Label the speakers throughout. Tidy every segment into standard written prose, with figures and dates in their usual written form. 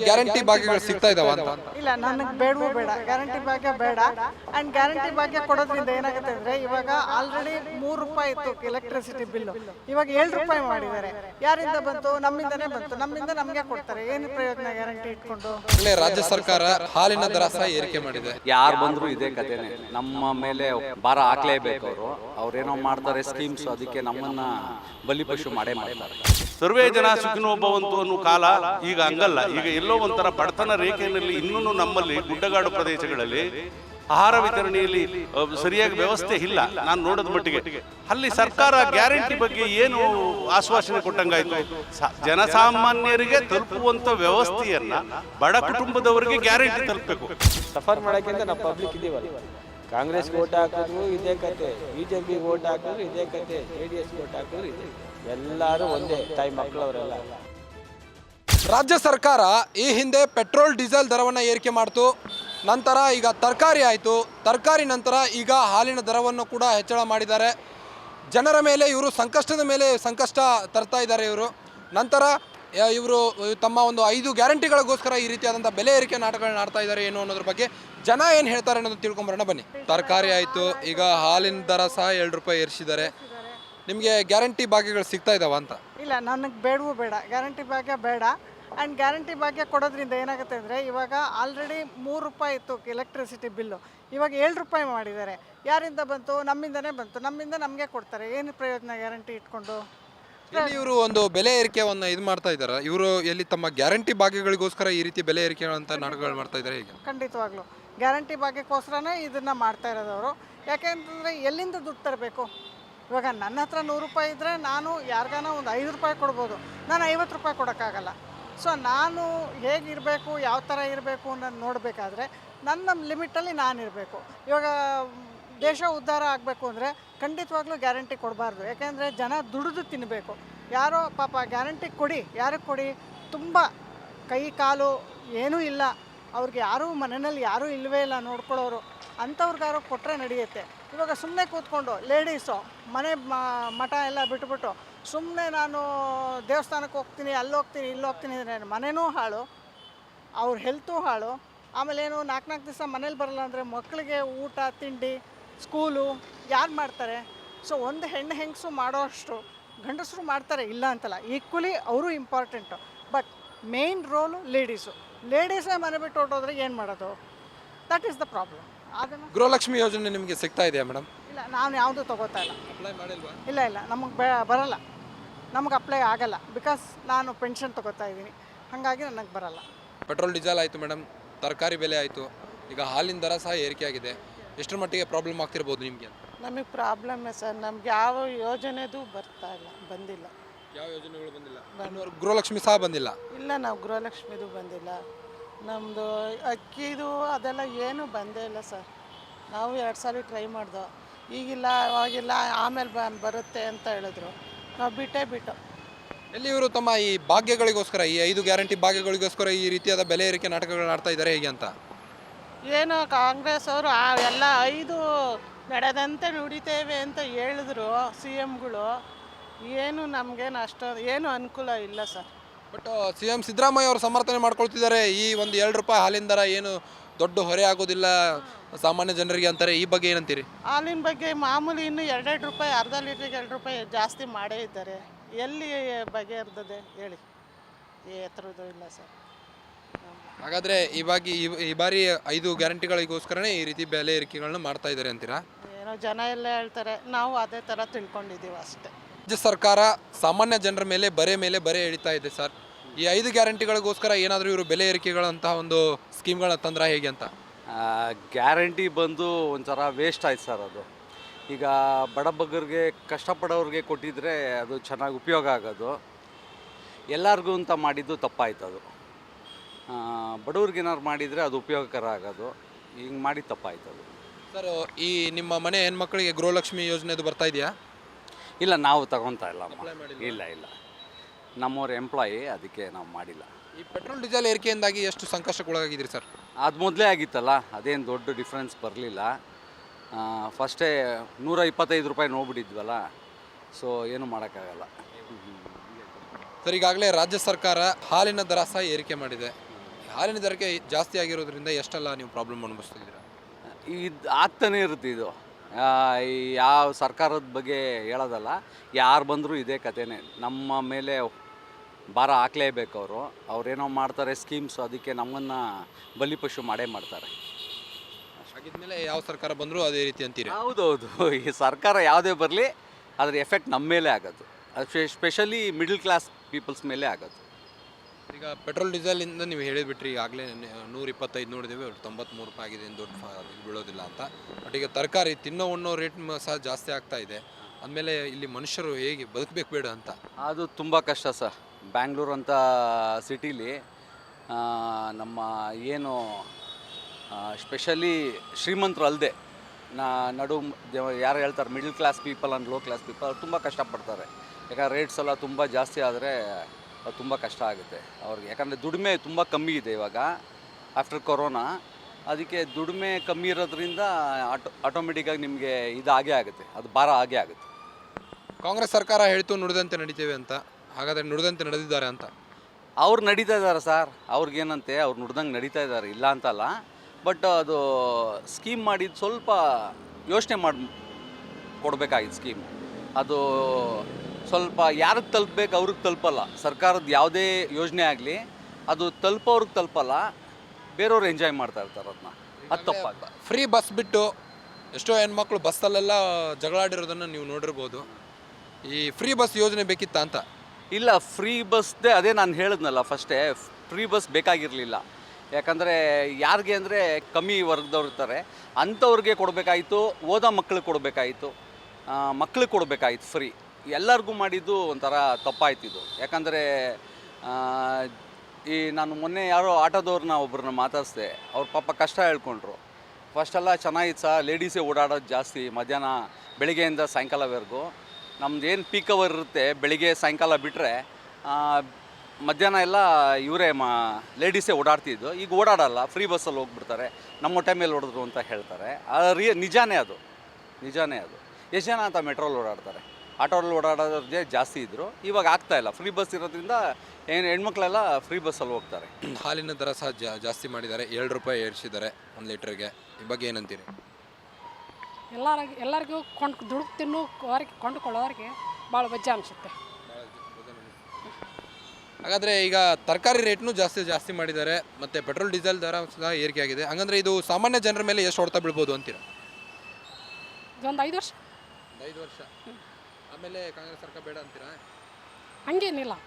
Speaker 1: Guarantee ಭಾಗ್ಯಗಳು ಸಿಗ್ತಾ ಇದಾವ ಅಂತ?
Speaker 2: ಇಲ್ಲ, ನನಗೆ ಬೇಡವೂ ಬೇಡ, ಗ್ಯಾರಂಟಿ ಭಾಗ್ಯ ಬೇಡ. ಆ್ಯಂಡ್ ಗ್ಯಾರಂಟಿ ಭಾಗ್ಯ ಕೊಡೋದ್ರಿಂದ ಏನಾಗುತ್ತೆ ಅಂದರೆ, ಇವಾಗ ಆಲ್ರೆಡಿ ₹3 ಇತ್ತು ಎಲೆಕ್ಟ್ರಿಸಿಟಿ ಬಿಲ್ಲು, ಇವಾಗ ₹7 ಮಾಡಿದ್ದಾರೆ. ಯಾರಿಂದ ಬಂತು? ನಮ್ಮಿಂದನೇ ಬಂತು. ನಮ್ಮಿಂದ ನಮಗೆ ಕೊಡ್ತಾರೆ. ಏನು ಪ್ರಯೋಜನ ಗ್ಯಾರಂಟಿ ಇಟ್ಕೊಂಡು?
Speaker 1: ರಾಜ್ಯ ಸರ್ಕಾರ ಹಾಲಿನ ದರ ಸಹ ಏರಿಕೆ ಮಾಡಿದೆ.
Speaker 3: ಯಾರು ಬಂದ್ರು ಇದೇ ಕಥೆನೆ, ನಮ್ಮ ಮೇಲೆ ಭಾರ ಹಾಕ್ಲೇಬೇಕು. ಅವ್ರೇನೋ ಮಾಡ್ತಾರೆ ಸ್ಕೀಮ್ಸ್, ಅದಕ್ಕೆ ನಮ್ಮನ್ನ ಬಲಿಪಶು ಮಾಡೇ ಮಾಡ್ತಾರೆ.
Speaker 4: ಸರ್ವೇ ಜನ ಸುಖಿನೋ ಭವಂತು ಅನ್ನೋ ಕಾಲ ಈಗ ಹಂಗಲ್ಲ. ಈಗ ಎಲ್ಲೋ ಒಂಥರ ಬಡತನ ರೇಖೆಯಲ್ಲಿ ಇನ್ನೂ ನಮ್ಮಲ್ಲಿ ಗುಡ್ಡಗಾಡು ಪ್ರದೇಶಗಳಲ್ಲಿ ಆಹಾರ ವಿತರಣೆಯಲ್ಲಿ ಸರಿಯಾಗಿ ವ್ಯವಸ್ಥೆ ಇಲ್ಲ. ನಾನು ನೋಡೋದ ಮಟ್ಟಿಗೆ ಅಲ್ಲಿ ಸರ್ಕಾರ ಗ್ಯಾರಂಟಿ ಬಗ್ಗೆ ಏನು ಆಶ್ವಾಸನೆ ಕೊಟ್ಟಂಗಾಯ್ತು? ಜನಸಾಮಾನ್ಯರಿಗೆ ತಲುಪುವಂತ ವ್ಯವಸ್ಥೆಯನ್ನ ಬಡ ಕುಟುಂಬದವರಿಗೆ ಗ್ಯಾರಂಟಿ ತಲುಪಬೇಕು.
Speaker 5: ಸಫರ್ ಮಾಡೋಕ್ಕಿಂತ ನಾವು ಪಬ್ಲಿಕ್ ಇದೀವಲ್ಲ. ಕಾಂಗ್ರೆಸ್ಗೆ ಓಟ್ ಹಾಕಿದ್ರು ಇದೇ ಕತೆ, ಬಿಜೆಪಿಗೆ ಓಟ್ ಹಾಕಿದ್ರು ಇದೇ ಕತೆ, JDS ಓಟ್ ಹಾಕಿದ್ರು ಇದೆ. ಎಲ್ಲರೂ ಒಂದೇ ತಾಯಿ ಮಕ್ಕಳವರೆಲ್ಲ.
Speaker 1: ರಾಜ್ಯ ಸರ್ಕಾರ ಈ ಹಿಂದೆ ಪೆಟ್ರೋಲ್ ಡೀಸೆಲ್ ದರವನ್ನು ಏರಿಕೆ ಮಾಡ್ತು. ನಂತರ ಈಗ ತರಕಾರಿ ಆಯಿತು. ತರಕಾರಿ ನಂತರ ಈಗ ಹಾಲಿನ ದರವನ್ನು ಕೂಡ ಹೆಚ್ಚಳ ಮಾಡಿದ್ದಾರೆ. ಜನರ ಮೇಲೆ ಇವರು ಸಂಕಷ್ಟದ ಮೇಲೆ ಸಂಕಷ್ಟ ತರ್ತಾ ಇದ್ದಾರೆ ಇವರು. ನಂತರ ಇವರು ತಮ್ಮ ಒಂದು 5 ಗ್ಯಾರಂಟಿಗಳಿಗೋಸ್ಕರ ಈ ರೀತಿಯಾದಂಥ ಬೆಲೆ ಏರಿಕೆ ನಾಟಕಗಳನ್ನ ಆಡ್ತಾ ಇದ್ದಾರೆ ಏನು ಅನ್ನೋದ್ರ ಬಗ್ಗೆ ಜನ ಏನು ಹೇಳ್ತಾರೆ ಅನ್ನೋದು ತಿಳ್ಕೊಂಬರೋಣ ಬನ್ನಿ. ತರಕಾರಿ ಆಯಿತು, ಈಗ ಹಾಲಿನ ದರ ಸಹ ₹2 ಏರಿಸಿದ್ದಾರೆ. ನಿಮಗೆ ಗ್ಯಾರಂಟಿ ಭಾಗ್ಯಗಳು ಸಿಗ್ತಾ ಇದಾವ ಅಂತ?
Speaker 2: ಇಲ್ಲ, ನನಗೆ ಬೇಡವೂ ಬೇಡ, ಗ್ಯಾರಂಟಿ ಭಾಗ್ಯ ಬೇಡ. ಆ್ಯಂಡ್ ಗ್ಯಾರಂಟಿ ಭಾಗ್ಯ ಕೊಡೋದ್ರಿಂದ ಏನಾಗುತ್ತೆ ಅಂದರೆ, ಇವಾಗ ಆಲ್ರೆಡಿ ₹3 ಇತ್ತು ಎಲೆಕ್ಟ್ರಿಸಿಟಿ ಬಿಲ್ಲು, ಇವಾಗ ₹7 ಮಾಡಿದ್ದಾರೆ. ಯಾರಿಂದ ಬಂತು? ನಮ್ಮಿಂದನೇ ಬಂತು. ನಮ್ಮಿಂದ ನಮಗೆ ಕೊಡ್ತಾರೆ. ಏನು ಪ್ರಯೋಜನ ಗ್ಯಾರಂಟಿ ಇಟ್ಕೊಂಡು?
Speaker 1: ಇವರು ಒಂದು ಬೆಲೆ ಏರಿಕೆಯನ್ನು ಇದು ಮಾಡ್ತಾ ಇದ್ದಾರೆ. ಇವರು ಎಲ್ಲಿ ತಮ್ಮ ಗ್ಯಾರಂಟಿ ಭಾಗ್ಯಗಳಿಗೋಸ್ಕರ ಈ ರೀತಿ ಬೆಲೆ ಏರಿಕೆಗಳಂತ ನಾಟಕಗಳು ಮಾಡ್ತಾ ಇದ್ದಾರೆ ಈಗ?
Speaker 2: ಖಂಡಿತವಾಗ್ಲೂ ಗ್ಯಾರಂಟಿ ಭಾಗ್ಯಕ್ಕೋಸ್ಕರನೇ ಇದನ್ನು ಮಾಡ್ತಾ ಇರೋದವರು. ಯಾಕೆಂತಂದರೆ ಎಲ್ಲಿಂದ ದುಡ್ಡು ತರಬೇಕು? ಇವಾಗ ನನ್ನ ಹತ್ರ ₹100 ಇದ್ದರೆ ನಾನು ಯಾರಿಗಾನ ಒಂದು ₹5 ಕೊಡ್ಬೋದು, ನಾನು ₹50 ಕೊಡೋಕ್ಕಾಗಲ್ಲ. ಸೊ ನಾನು ಹೇಗಿರಬೇಕು, ಯಾವ ಥರ ಇರಬೇಕು ಅನ್ನೋದು ನೋಡಬೇಕಾದ್ರೆ ನನ್ನ ಲಿಮಿಟಲ್ಲಿ ನಾನು ಇರಬೇಕು. ಇವಾಗ ದೇಶ ಉದ್ಧಾರ ಆಗಬೇಕು ಅಂದರೆ ಖಂಡಿತವಾಗ್ಲೂ ಗ್ಯಾರಂಟಿ ಕೊಡಬಾರ್ದು. ಯಾಕೆಂದರೆ ಜನ ದುಡಿದು ತಿನ್ನಬೇಕು. ಯಾರೋ ಪಾಪ ಗ್ಯಾರಂಟಿ ಕೊಡಿ, ಯಾರಿಗೆ ಕೊಡಿ? ತುಂಬ ಕೈ ಕಾಲು ಏನೂ ಇಲ್ಲ, ಅವ್ರಿಗೆ ಯಾರೂ ಮನೆಯಲ್ಲಿ ಯಾರೂ ಇಲ್ಲವೇ ಇಲ್ಲ ನೋಡ್ಕೊಳ್ಳೋರು, ಅಂಥವ್ರಿಗಾರು ಕೊಟ್ಟರೆ ನಡೆಯುತ್ತೆ. ಇವಾಗ ಸುಮ್ಮನೆ ಕೂತ್ಕೊಂಡು ಲೇಡೀಸು ಮನೆ ಮಠ ಎಲ್ಲ ಬಿಟ್ಬಿಟ್ಟು ಸುಮ್ಮನೆ ನಾನು ದೇವಸ್ಥಾನಕ್ಕೆ ಹೋಗ್ತೀನಿ, ಅಲ್ಲಿ ಹೋಗ್ತೀನಿ, ಇಲ್ಲಿ ಹೋಗ್ತೀನಿ ಅಂದರೆ ಮನೆಯೂ ಹಾಳು, ಅವ್ರ ಹೆಲ್ತು ಹಾಳು. ಆಮೇಲೆ ಏನು 4 ದಿವಸ ಮನೇಲಿ ಬರಲ್ಲ ಅಂದರೆ ಮಕ್ಕಳಿಗೆ ಊಟ ತಿಂಡಿ ಸ್ಕೂಲು ಯಾರು ಮಾಡ್ತಾರೆ? ಸೊ ಒಂದು ಹೆಂಗಸು ಮಾಡೋ ಅಷ್ಟು ಗಂಡಸರು ಮಾಡ್ತಾರೆ, ಇಲ್ಲ ಅಂತಲ್ಲ, ಈಕ್ವಲಿ ಅವರು ಇಂಪಾರ್ಟೆಂಟು. ಬಟ್ ಮೇನ್ ರೋಲು ಲೇಡೀಸೇ ಮನೆ ಬಿಟ್ಟು ಹೊರಟೋದ್ರೆ ಏನು ಮಾಡೋದು? That is the problem. ಅದನ್ನು
Speaker 1: ಗೃಹಲಕ್ಷ್ಮಿ ಯೋಜನೆ ನಿಮಗೆ ಸಿಗ್ತಾ ಇದೆಯಾ ಮೇಡಮ್?
Speaker 2: ಇಲ್ಲ, ನಾನು ಯಾವುದೂ ತೊಗೋತಾ ಇಲ್ಲ.
Speaker 1: ಅಪ್ಲೈ ಮಾಡಿಲ್ವಾ?
Speaker 2: ಇಲ್ಲ, ನಮಗೆ ಬರಲ್ಲ, ನಮಗೆ ಅಪ್ಲೈ ಆಗಲ್ಲ. ಬಿಕಾಸ್ ನಾನು ಪೆನ್ಷನ್ ತೊಗೋತಾ ಇದ್ದೀನಿ, ಹಾಗಾಗಿ ನನಗೆ ಬರಲ್ಲ.
Speaker 1: ಪೆಟ್ರೋಲ್ ಡೀಸೆಲ್ ಆಯಿತು ಮೇಡಮ್, ತರಕಾರಿ ಬೆಲೆ ಆಯಿತು, ಈಗ ಹಾಲಿನ ದರ ಸಹ ಏರಿಕೆ ಆಗಿದೆ. ಎಷ್ಟರ ಮಟ್ಟಿಗೆ ಪ್ರಾಬ್ಲಮ್ ಆಗ್ತಿರ್ಬೋದು ನಿಮಗೆ?
Speaker 6: ನಮಗೆ ಪ್ರಾಬ್ಲಮ್ಮೇ ಸರ್. ನಮ್ಗೆ ಯಾವ ಯೋಜನೆದು ಬಂದಿಲ್ಲ.
Speaker 1: ಯಾವ ಯೋಜನೆಗಳು ಬಂದಿಲ್ಲ? ಗೃಹಲಕ್ಷ್ಮಿ ಸಹ ಬಂದಿಲ್ಲ?
Speaker 6: ಇಲ್ಲ, ನಾವು ಗೃಹಲಕ್ಷ್ಮಿದು ಬಂದಿಲ್ಲ. ನಮ್ಮದು ಅಕ್ಕಿದು ಅದೆಲ್ಲ ಏನೂ ಬಂದೇ ಇಲ್ಲ ಸರ್. ನಾವು 2 ಸಲ ಟ್ರೈ ಮಾಡ್ದೋ, ಈಗಿಲ್ಲ ಅವಾಗಿಲ್ಲ, ಆಮೇಲೆ ಬರುತ್ತೆ ಅಂತ ಹೇಳಿದ್ರು, ನಾವು ಬಿಟ್ಟು.
Speaker 1: ಎಲ್ಲಿ ಇವರು ತಮ್ಮ ಈ ಭಾಗ್ಯಗಳಿಗೋಸ್ಕರ, ಈ 5 ಗ್ಯಾರಂಟಿ ಭಾಗ್ಯಗಳಿಗೋಸ್ಕರ ಈ ರೀತಿಯಾದ ಬೆಲೆ ಏರಿಕೆ ನಾಟಕಗಳನ್ನ ಆಡ್ತಾ ಇದ್ದಾರೆ ಹೇಗೆ ಅಂತ?
Speaker 6: ಏನೋ ಕಾಂಗ್ರೆಸ್ ಅವರು ಎಲ್ಲ 5 ನಡೆದಂತೆ ನುಡಿತೇವೆ ಅಂತ ಹೇಳಿದ್ರು CMಗಳು. ಏನು ನಮಗೇನು ಅಷ್ಟೊಂದು ಏನು ಅನುಕೂಲ ಇಲ್ಲ ಸರ್.
Speaker 1: ಬಟ್ CM ಸಿದ್ದರಾಮಯ್ಯ ಅವರು ಸಮರ್ಥನೆ ಮಾಡ್ಕೊಳ್ತಿದ್ದಾರೆ. ಈ ಒಂದು ₹2 ಹಾಲಿನ ದರ ಏನು ದೊಡ್ಡ ಹೊರೆ ಆಗೋದಿಲ್ಲ ಸಾಮಾನ್ಯ ಜನರಿಗೆ ಅಂತಾರೆ. ಈ ಬಗ್ಗೆ ಏನಂತೀರಿ?
Speaker 6: ಹಾಲಿನ ಬಗ್ಗೆ ಮಾಮೂಲಿ ಇನ್ನೂ ₹2 ಅರ್ಧ ಲೀಟ್ರಿಗೆ ₹2 ಜಾಸ್ತಿ ಮಾಡೇ ಇದ್ದಾರೆ. ಎಲ್ಲಿ ಬಗೆಹರಿದಿದೆ ಹೇಳಿ? ಎತ್ತರದ್ದು ಇಲ್ಲ ಸರ್.
Speaker 1: ಹಾಗಾದರೆ ಈ ಬಾರಿ 5 ಗ್ಯಾರಂಟಿಗಳಿಗೋಸ್ಕರನೇ ಈ ರೀತಿ ಬೆಲೆ ಏರಿಕೆಗಳನ್ನ ಮಾಡ್ತಾ ಇದ್ದಾರೆ ಅಂತೀರಾ?
Speaker 6: ಏನೋ ಜನ ಎಲ್ಲ ಹೇಳ್ತಾರೆ, ನಾವು ಅದೇ ಥರ ತಿಳ್ಕೊಂಡಿದ್ದೀವಿ ಅಷ್ಟೇ.
Speaker 1: ರಾಜ್ಯ ಸರ್ಕಾರ ಸಾಮಾನ್ಯ ಜನರ ಮೇಲೆ ಬರೆ ಎಳಿತಾ ಇದೆ ಸರ್. ಈ 5 ಗ್ಯಾರಂಟಿಗಳಿಗೋಸ್ಕರ ಏನಾದರೂ ಇವರು ಬೆಲೆ ಏರಿಕೆಗಳಂತಹ ಒಂದು ಸ್ಕೀಮ್ಗಳನ್ನ ತಂದ್ರೆ ಹೇಗೆ ಅಂತ?
Speaker 3: ಗ್ಯಾರಂಟಿ ಬಂದು ಒಂಥರ ವೇಸ್ಟ್ ಆಯ್ತು ಸರ್. ಅದು ಈಗ ಬಡಬಗ್ಗರಿಗೆ ಕಷ್ಟಪಡೋರಿಗೆ ಕೊಟ್ಟಿದ್ರೆ ಅದು ಚೆನ್ನಾಗಿ ಉಪಯೋಗ ಆಗೋದು. ಎಲ್ಲರಿಗೂ ಅಂತ ಮಾಡಿದ್ದು ತಪ್ಪಾಯ್ತು. ಅದು ಬಡವ್ರಿಗೆ ಏನಾದ್ರು ಮಾಡಿದರೆ ಅದು ಉಪಯೋಗಕರ ಆಗೋದು. ಹಿಂಗೆ ಮಾಡಿ ತಪ್ಪಾಯ್ತು ಅದು
Speaker 1: ಸರ್. ಈ ನಿಮ್ಮ ಮನೆ ಹೆಣ್ಮಕ್ಳಿಗೆ ಗೃಹಲಕ್ಷ್ಮಿ ಯೋಜನೆದು ಬರ್ತಾ ಇದೆಯಾ?
Speaker 3: ಇಲ್ಲ, ನಾವು ತಗೊತಾ ಇಲ್ಲ. ಇಲ್ಲ, ನಮ್ಮವ್ರ ಎಂಪ್ಲಾಯಿ, ಅದಕ್ಕೆ ನಾವು ಮಾಡಿಲ್ಲ.
Speaker 1: ಈ ಪೆಟ್ರೋಲ್ ಡೀಸೆಲ್ ಏರಿಕೆಯಿಂದಾಗಿ ಎಷ್ಟು ಸಂಕಷ್ಟಕ್ಕೊಳಗಾಗಿದ್ದೀರಿ ಸರ್?
Speaker 3: ಅದು ಮೊದಲೇ ಆಗಿತ್ತಲ್ಲ, ಅದೇನು ದೊಡ್ಡ ಡಿಫ್ರೆನ್ಸ್ ಬರಲಿಲ್ಲ. ಫಸ್ಟೇ ₹125 ನೋಡ್ಬಿಟ್ಟಿದ್ವಲ್ಲ, ಸೊ ಏನು ಮಾಡೋಕ್ಕಾಗಲ್ಲ.
Speaker 1: ಸರ್, ಈಗಾಗಲೇ ರಾಜ್ಯ ಸರ್ಕಾರ ಹಾಲಿನ ದರ ಸಹ ಏರಿಕೆ ಮಾಡಿದೆ. ಹಾಲಿನ ದರಕ್ಕೆ ಜಾಸ್ತಿ ಆಗಿರೋದ್ರಿಂದ ಎಷ್ಟೆಲ್ಲ ನೀವು ಪ್ರಾಬ್ಲಮ್ ಅನುಭವಿಸ್ತಿದ್ದೀರಾ?
Speaker 3: ಇದು ಆಗ್ತಾನೆ ಇರುತ್ತೆ ಇದು. ಈ ಯಾವ ಸರ್ಕಾರದ ಬಗ್ಗೆ ಹೇಳೋದಲ್ಲ, ಯಾರು ಬಂದರೂ ಇದೇ ಕಥೆನೇ. ನಮ್ಮ ಮೇಲೆ ಭಾರ ಹಾಕಲೇಬೇಕು ಅವರು. ಅವ್ರೇನೋ ಮಾಡ್ತಾರೆ ಸ್ಕೀಮ್ಸ್, ಅದಕ್ಕೆ ನಮ್ಮನ್ನು ಬಲಿಪಶು ಮಾಡೇ ಮಾಡ್ತಾರೆ.
Speaker 1: ಹಾಗಿದ್ಮೇಲೆ ಯಾವ ಸರ್ಕಾರ ಬಂದರೂ ಅದೇ ರೀತಿ ಅಂತೀರಿ?
Speaker 3: ಹೌದೌದು, ಈ ಸರ್ಕಾರ ಯಾವುದೇ ಬರಲಿ ಅದ್ರ ಎಫೆಕ್ಟ್ ನಮ್ಮ ಮೇಲೆ ಆಗೋದು. ಅದು ಸ್ಪೆಷಲಿ ಮಿಡಲ್ ಕ್ಲಾಸ್ ಪೀಪಲ್ಸ್ ಮೇಲೆ ಆಗೋದು.
Speaker 1: ಈಗ ಪೆಟ್ರೋಲ್ ಡೀಸೆಲಿಂದ ನೀವು ಹೇಳಿಬಿಟ್ರಿ ಈಗಾಗಲೇ 125 ನೋಡಿದ್ದೇವೆ, 93 ರೂಪಾಯಿ ಆಗಿದೆ, ಏನು ದೊಡ್ಡ ಇದು ಬೀಳೋದಿಲ್ಲ ಅಂತ. ಬಟ್ ಈಗ ತರಕಾರಿ ತಿನ್ನೋ ಉಣ್ಣೋ ರೇಟ್ ಸಹ ಜಾಸ್ತಿ ಆಗ್ತಾ ಇದೆ. ಅಂದಮೇಲೆ ಇಲ್ಲಿ ಮನುಷ್ಯರು ಹೇಗೆ ಬದುಕಬೇಕು ಬೇಡ ಅಂತ?
Speaker 3: ಅದು ತುಂಬ ಕಷ್ಟ ಸರ್. ಬ್ಯಾಂಗ್ಳೂರು ಅಂತ ಸಿಟೀಲಿ ನಮ್ಮ ಏನು ಸ್ಪೆಷಲಿ ಶ್ರೀಮಂತರು ಅಲ್ಲದೆ ನಡು ಯಾರು ಹೇಳ್ತಾರೆ middle class people and low class people ಅವ್ರು ತುಂಬ ಕಷ್ಟಪಡ್ತಾರೆ. ಯಾಕಂದ್ರೆ ರೇಟ್ಸ್ ಎಲ್ಲ ತುಂಬ ಜಾಸ್ತಿ ಆದರೆ ಅದು ತುಂಬ ಕಷ್ಟ ಆಗುತ್ತೆ ಅವ್ರಿಗೆ. ಯಾಕಂದರೆ ದುಡಿಮೆ ತುಂಬ ಕಮ್ಮಿ ಇದೆ ಇವಾಗ ಆಫ್ಟರ್ ಕೊರೋನಾ. ಅದಕ್ಕೆ ದುಡಿಮೆ ಕಮ್ಮಿ ಇರೋದ್ರಿಂದ ಆಟೋಮೆಟಿಕ್ಕಾಗಿ ನಿಮಗೆ ಇದು ಆಗೇ ಆಗುತ್ತೆ, ಅದು ಭಾರ ಆಗೇ ಆಗುತ್ತೆ.
Speaker 1: ಕಾಂಗ್ರೆಸ್ ಸರ್ಕಾರ ಹೇಳ್ತು ನುಡಿದಂತೆ ನಡೀತೇವೆ ಅಂತ, ಹಾಗಾದರೆ ನುಡಿದಂತೆ ನಡೆದಿದ್ದಾರೆ ಅಂತ?
Speaker 3: ಅವ್ರು ನಡೀತಾ ಇದ್ದಾರೆ ಸರ್, ಅವ್ರಿಗೇನಂತೆ ಅವ್ರು ನುಡ್ದಂಗೆ ನಡೀತಾ ಇದ್ದಾರೆ, ಇಲ್ಲ ಅಂತಲ್ಲ. ಬಟ್ ಅದು ಸ್ಕೀಮ್ ಮಾಡಿದ್ದು ಸ್ವಲ್ಪ ಯೋಚನೆ ಮಾಡಿ ಕೊಡಬೇಕಾಗಿತ್ತು ಸ್ಕೀಮ್. ಅದು ಸ್ವಲ್ಪ ಯಾರಿಗೆ ತಲುಪಬೇಕು ಅವ್ರಿಗೆ ತಲುಪಲ್ಲ. ಸರ್ಕಾರದ ಯಾವುದೇ ಯೋಜನೆ ಆಗಲಿ ಅದು ತಲುಪೋರ್ಗೆ ತಲುಪಲ್ಲ, ಬೇರೆಯವ್ರು ಎಂಜಾಯ್ ಮಾಡ್ತಾ ಇರ್ತಾರೆ ಅದನ್ನ. ಅದು ತಪ್ಪಾಗ
Speaker 1: ಫ್ರೀ ಬಸ್ ಬಿಟ್ಟು ಎಷ್ಟೋ ಹೆಣ್ಮಕ್ಳು ಬಸ್ಸಲ್ಲೆಲ್ಲ ಜಗಳಾಡಿರೋದನ್ನು ನೀವು ನೋಡಿರ್ಬೋದು. ಈ ಫ್ರೀ ಬಸ್ ಯೋಜನೆ ಬೇಕಿತ್ತ ಅಂತ?
Speaker 3: ಇಲ್ಲ, ಫ್ರೀ ಬಸ್ದೇ ಅದೇ ನಾನು ಹೇಳಿದ್ನಲ್ಲ ಫಸ್ಟೇ, ಫ್ರೀ ಬಸ್ ಬೇಕಾಗಿರಲಿಲ್ಲ. ಯಾಕಂದರೆ ಯಾರಿಗೆ ಅಂದರೆ ಕಮ್ಮಿ ವರ್ಗದವ್ರು ಇರ್ತಾರೆ ಅಂಥವ್ರಿಗೆ ಕೊಡಬೇಕಾಯಿತು, ಓದೋ ಮಕ್ಳಿಗೆ ಕೊಡಬೇಕಾಯಿತು, ಮಕ್ಳಿಗೆ ಕೊಡಬೇಕಾಯಿತು ಫ್ರೀ. ಎಲ್ಲರಿಗೂ ಮಾಡಿದ್ದು ಒಂಥರ ತಪ್ಪಾಯ್ತಿದ್ದು. ಯಾಕಂದರೆ ಈ ನಾನು ಮೊನ್ನೆ ಯಾರೋ ಆಟೋದವ್ರನ್ನ ಒಬ್ಬರನ್ನ ಮಾತಾಡಿಸ್ದೆ, ಅವ್ರ ಪಾಪ ಕಷ್ಟ ಹೇಳ್ಕೊಂಡ್ರು. ಫಸ್ಟೆಲ್ಲ ಚೆನ್ನಾಗಿತ್ತು ಸರ್, ಲೇಡೀಸೇ ಓಡಾಡೋದು ಜಾಸ್ತಿ ಮಧ್ಯಾಹ್ನ ಬೆಳಿಗ್ಗೆಯಿಂದ ಸಾಯಂಕಾಲವರೆಗೂ. ನಮ್ದು ಏನು ಪೀಕ್ ಅವರ್ ಇರುತ್ತೆ ಬೆಳಿಗ್ಗೆ ಸಾಯಂಕಾಲ ಬಿಟ್ಟರೆ ಮಧ್ಯಾಹ್ನ ಎಲ್ಲ ಇವರೇ ಲೇಡೀಸೇ ಓಡಾಡ್ತಿದ್ದು. ಈಗ ಓಡಾಡಲ್ಲ, ಫ್ರೀ ಬಸ್ಸಲ್ಲಿ ಹೋಗ್ಬಿಡ್ತಾರೆ, ನಮ್ಮ ಹೊಟ್ಟೆ ಮೇಲೆ ಹೊಡೆದ್ರು ಅಂತ ಹೇಳ್ತಾರೆ. ನಿಜಾನೇ ಅದು. ಎಷ್ಟು ಜನ ಅಂತ ಮೆಟ್ರೋಲ್ಲಿ ಓಡಾಡ್ತಾರೆ, ಆಟೋಲ್ಲಿ ಓಡಾಡೋದೇ ಜಾಸ್ತಿ ಇದ್ದರು. ಇವಾಗ ಆಗ್ತಾಯಿಲ್ಲ, ಫ್ರೀ ಬಸ್ ಇರೋದ್ರಿಂದ ಹೆಣ್ಮಕ್ಳೆಲ್ಲ ಫ್ರೀ ಬಸ್ಸಲ್ಲಿ ಹೋಗ್ತಾರೆ.
Speaker 1: ಹಾಲಿನ ದರ ಸಹ ಜಾಸ್ತಿ ಮಾಡಿದ್ದಾರೆ, 7 ರೂಪಾಯಿ ಏರಿಸಿದ್ದಾರೆ 1 ಲೀಟ್ರಿಗೆ. ಈ ಬಗ್ಗೆ ಏನಂತೀರಿ?
Speaker 7: ಎಲ್ಲರಿಗೂ ದುಡ್ಡು ತಿನ್ನೋರಿಗೆ ಕೊಂಡುಕೊಳ್ಳೋರಿಗೆ ಭಾಳ ವಜ್ಜೆ ಅನಿಸುತ್ತೆ.
Speaker 1: ಹಾಗಾದರೆ ಈಗ ತರಕಾರಿ ರೇಟ್ನು ಜಾಸ್ತಿ ಮಾಡಿದ್ದಾರೆ, ಮತ್ತು ಪೆಟ್ರೋಲ್ ಡೀಸೆಲ್ ದರ ಸಹ ಏರಿಕೆ ಆಗಿದೆ. ಹಾಗಂದ್ರೆ ಇದು ಸಾಮಾನ್ಯ ಜನರ ಮೇಲೆ ಎಷ್ಟು ಹೊಡೆತ ಬೀಳ್ಬೋದು ಅಂತೀರಾ?
Speaker 7: ಇದೊಂದು 5 ವರ್ಷ.
Speaker 1: 5 ವರ್ಷ ಆಮೇಲೆ ಕಾಂಗ್ರೆಸ್ ಸರ್ಕಾರ ಬೇಡ ಅಂತೀರಾ?
Speaker 7: ಹಂಗೇನಿಲ್ಲ,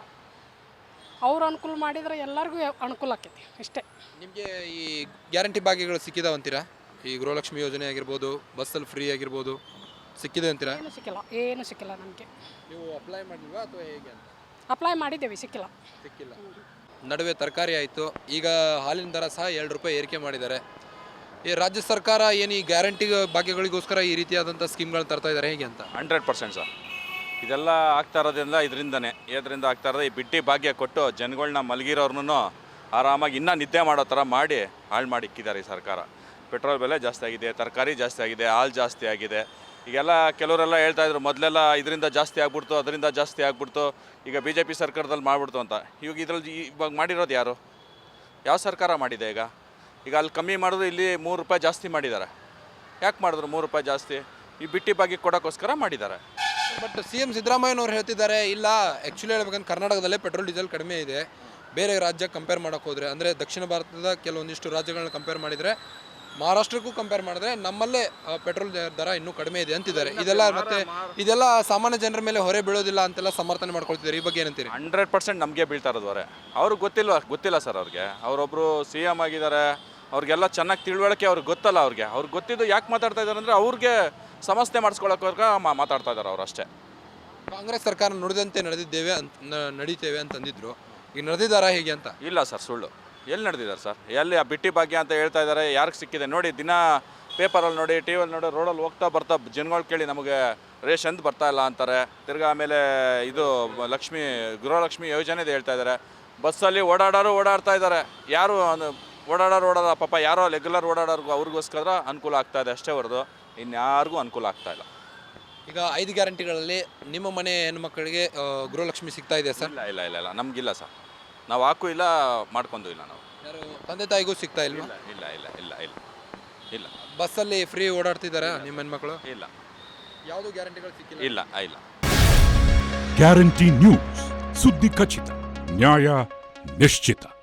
Speaker 7: ಅವ್ರು ಅನುಕೂಲ ಮಾಡಿದರೆ ಎಲ್ಲರಿಗೂ ಅನುಕೂಲ ಆಕೈತಿ ಅಷ್ಟೇ.
Speaker 1: ನಿಮಗೆ ಈ ಗ್ಯಾರಂಟಿ ಭಾಗ್ಯಗಳು ಸಿಕ್ಕಿದಾವಂತೀರಾ? ಈ ಗೃಹಲಕ್ಷ್ಮಿ ಯೋಜನೆ ಆಗಿರ್ಬೋದು, ಬಸ್ಸಲ್ಲಿ ಫ್ರೀ ಆಗಿರ್ಬೋದು, ಸಿಕ್ಕಿದೆ ಅಂತೀರಾ?
Speaker 7: ಏನು ಸಿಕ್ಕಿಲ್ಲ ನಮಗೆ.
Speaker 1: ನೀವು ಅಪ್ಲೈ ಮಾಡಿಲ್ವಾ ಅಥವಾ ಹೇಗೆ ಅಂತ?
Speaker 7: ಅಪ್ಲೈ ಮಾಡಿದ್ದೇವೆ, ಸಿಕ್ಕಿಲ್ಲ.
Speaker 1: ನಡುವೆ ತರಕಾರಿ ಆಯಿತು, ಈಗ ಹಾಲಿನ ದರ ಸಹ 2 ರೂಪಾಯಿ ಏರಿಕೆ ಮಾಡಿದ್ದಾರೆ. ಈ ರಾಜ್ಯ ಸರ್ಕಾರ ಏನು ಈ ಗ್ಯಾರಂಟಿ ಭಾಗ್ಯಗಳಿಗೋಸ್ಕರ ಈ ರೀತಿಯಾದಂಥ ಸ್ಕೀಮ್ಗಳನ್ನ ತರ್ತಾ ಇದ್ದಾರೆ, ಹೇಗೆ ಅಂತ?
Speaker 8: 100% ಸರ್. ಇದೆಲ್ಲ ಆಗ್ತಾ ಇರೋದ್ರಿಂದ ಇದರಿಂದ ಆಗ್ತಾ ಇರೋದು ಈ ಬಿಟ್ಟಿ ಭಾಗ್ಯ ಕೊಟ್ಟು ಜನಗಳನ್ನ ಮಲಗಿರೋರ್ನು ಆರಾಮಾಗಿ ಇನ್ನೂ ನಿದ್ದೆ ಮಾಡೋ ಥರ ಮಾಡಿ ಹಾಳು ಮಾಡಿ ಇಕ್ಕಿದ್ದಾರೆ ಈ ಸರ್ಕಾರ. ಪೆಟ್ರೋಲ್ ಬೆಲೆ ಜಾಸ್ತಿ ಆಗಿದೆ, ತರಕಾರಿ ಜಾಸ್ತಿ ಆಗಿದೆ, ಹಾಲು ಜಾಸ್ತಿ ಆಗಿದೆ. ಈಗೆಲ್ಲ ಕೆಲವರೆಲ್ಲ ಹೇಳ್ತಾ ಇದ್ರು ಮೊದಲೆಲ್ಲ ಇದರಿಂದ ಜಾಸ್ತಿ ಆಗ್ಬಿಡ್ತು, ಅದರಿಂದ ಜಾಸ್ತಿ ಆಗ್ಬಿಡ್ತು, ಈಗ BJP ಸರ್ಕಾರದಲ್ಲಿ ಮಾಡಿಬಿಡ್ತು ಅಂತ. ಇದ್ರಲ್ಲಿ ಇವಾಗ ಮಾಡಿರೋದು ಯಾರು? ಯಾವ ಸರ್ಕಾರ ಮಾಡಿದೆ? ಈಗ ಅಲ್ಲಿ ಕಮ್ಮಿ ಮಾಡಿದ್ರು, ಇಲ್ಲಿ 3 ರೂಪಾಯಿ ಜಾಸ್ತಿ ಮಾಡಿದ್ದಾರೆ. ಯಾಕೆ ಮಾಡಿದ್ರು 3 ರೂಪಾಯಿ ಜಾಸ್ತಿ? ಈ ಬಿಟ್ಟಿ ಭಾಗ್ಯ ಕೊಡೋಕ್ಕೋಸ್ಕರ ಮಾಡಿದ್ದಾರೆ.
Speaker 1: ಬಟ್ CM ಸಿದ್ದರಾಮಯ್ಯನವ್ರು ಹೇಳ್ತಿದ್ದಾರೆ, ಇಲ್ಲ ಆ್ಯಕ್ಚುಲಿ ಹೇಳ್ಬೇಕಂದ್ರೆ ಕರ್ನಾಟಕದಲ್ಲೇ ಪೆಟ್ರೋಲ್ ಡೀಸೆಲ್ ಕಡಿಮೆ ಇದೆ, ಬೇರೆ ರಾಜ್ಯಕ್ಕೆ ಕಂಪೇರ್ ಮಾಡೋಕೆ ಹೋದರೆ, ಅಂದರೆ ದಕ್ಷಿಣ ಭಾರತದ ಕೆಲವೊಂದಿಷ್ಟು ರಾಜ್ಯಗಳನ್ನ ಕಂಪೇರ್ ಮಾಡಿದರೆ, ಮಹಾರಾಷ್ಟ್ರಕ್ಕೂ ಕಂಪೇರ್ ಮಾಡಿದ್ರೆ ನಮ್ಮಲ್ಲೇ ಪೆಟ್ರೋಲ್ ದರ ಇನ್ನೂ ಕಡಿಮೆ ಇದೆ ಅಂತಿದ್ದಾರೆ. ಇದೆಲ್ಲ ಸಾಮಾನ್ಯ ಜನರ ಮೇಲೆ ಹೊರೆ ಬೀಳೋದಿಲ್ಲ ಅಂತೆಲ್ಲ ಸಮರ್ಥನೆ ಮಾಡ್ಕೊಳ್ತಿದ್ದಾರೆ. ಈ ಬಗ್ಗೆ ಏನಂತೀರಿ?
Speaker 8: 100% ನಮಗೆ ಬೀಳ್ತಾ ಇರೋದು ಹೊರೆ. ಅವ್ರಿಗೆ ಗೊತ್ತಿಲ್ಲ ಸರ್. ಅವ್ರಿಗೆ ಅವರೊಬ್ಬರು CM ಆಗಿದ್ದಾರೆ, ಅವ್ರಿಗೆಲ್ಲ ಚೆನ್ನಾಗಿ ತಿಳುವಳಿಕೆ ಅವ್ರಿಗೆ ಗೊತ್ತಲ್ಲ. ಅವ್ರಿಗೆ ಗೊತ್ತಿದ್ದು ಯಾಕೆ ಮಾತಾಡ್ತಾ ಇದ್ದಾರೆ ಅಂದರೆ ಅವ್ರಿಗೆ ಸಮಸ್ಯೆ ಮಾಡಿಸ್ಕೊಳ್ಳೋಕೆ ಮಾತಾಡ್ತಾ ಇದ್ದಾರೆ ಅವ್ರು ಅಷ್ಟೇ.
Speaker 1: ಕಾಂಗ್ರೆಸ್ ಸರ್ಕಾರ ನುಡಿದಂತೆ ನಡೀತೇವೆ ಅಂತಂದಿದ್ರು, ಈಗ ನಡೆದಿದ್ದಾರಾ ಹೇಗೆ ಅಂತ?
Speaker 8: ಇಲ್ಲ ಸರ್, ಸುಳ್ಳು. ಎಲ್ಲಿ ನಡೆದಿದ್ದಾರೆ ಸರ್? ಎಲ್ಲಿ ಆ ಬಿಟ್ಟಿ ಭಾಗ್ಯ ಅಂತ ಹೇಳ್ತಾ ಇದ್ದಾರೆ, ಯಾರಿಗೆ ಸಿಕ್ಕಿದೆ ನೋಡಿ? ದಿನ ಪೇಪರಲ್ಲಿ ನೋಡಿ, TVಯಲ್ಲಿ ನೋಡಿ, ರೋಡಲ್ಲಿ ಹೋಗ್ತಾ ಜನಗಳು ಕೇಳಿ ನಮಗೆ ರೇಷನ್ದು ಬರ್ತಾ ಇಲ್ಲ ಅಂತಾರೆ. ತಿರ್ಗಾ ಆಮೇಲೆ ಇದು ಗೃಹಲಕ್ಷ್ಮಿ ಯೋಜನೆದು ಹೇಳ್ತಾ ಇದ್ದಾರೆ. ಬಸ್ಸಲ್ಲಿ ಓಡಾಡ್ತಾ ಇದ್ದಾರೆ. ಯಾರು ಓಡಾಡೋ ಪಾಪ ಯಾರೋ ರೆಗ್ಯುಲರ್ ಓಡಾಡೋರ್ಗು ಅವ್ರಿಗೋಸ್ಕರ ಅನುಕೂಲ ಆಗ್ತಾ ಇದೆ ಅಷ್ಟೇ ಹೊರತು ಇನ್ಯಾರಿಗೂ ಅನುಕೂಲ ಆಗ್ತಾ ಇಲ್ಲ.
Speaker 1: ಈಗ 5 ಗ್ಯಾರಂಟಿಗಳಲ್ಲಿ ನಿಮ್ಮ ಮನೆ ಹೆಣ್ಮಕ್ಕಳಿಗೆ ಗೃಹಲಕ್ಷ್ಮಿ ಸಿಗ್ತಾ ಇದೆ ಸರ್?
Speaker 8: ಇಲ್ಲ ನಮಗಿಲ್ಲ ಸರ್. ನಾವು ಹಾಕು ಇಲ್ಲ ಮಾಡ್ಕೊಂಡು ಇಲ್ಲ ನಾವು.
Speaker 1: ಯಾರು ತಂದೆ ತಾಯಿಗೂ ಸಿಗ್ತಾ ಇಲ್ವಾ?
Speaker 8: ಇಲ್ಲ ಇಲ್ಲ ಇಲ್ಲ ಇಲ್ಲ ಇಲ್ಲ
Speaker 1: ಬಸ್ಸಲ್ಲಿ ಫ್ರೀ ಓಡಾಡ್ತಿದ್ದಾರೆ ನಿಮ್ಮ ಹೆಣ್ಮಕ್ಳು?
Speaker 8: ಇಲ್ಲ
Speaker 1: ಯಾವುದು ಗ್ಯಾರಂಟಿಗಳು ಸಿಕ್ಕಿಲ್ಲ?
Speaker 8: ಇಲ್ಲ ಇಲ್ಲ.
Speaker 9: ಗ್ಯಾರಂಟಿ ನ್ಯೂಸ್, ಸುದ್ದಿ ಖಚಿತ, ನ್ಯಾಯ ನಿಶ್ಚಿತ.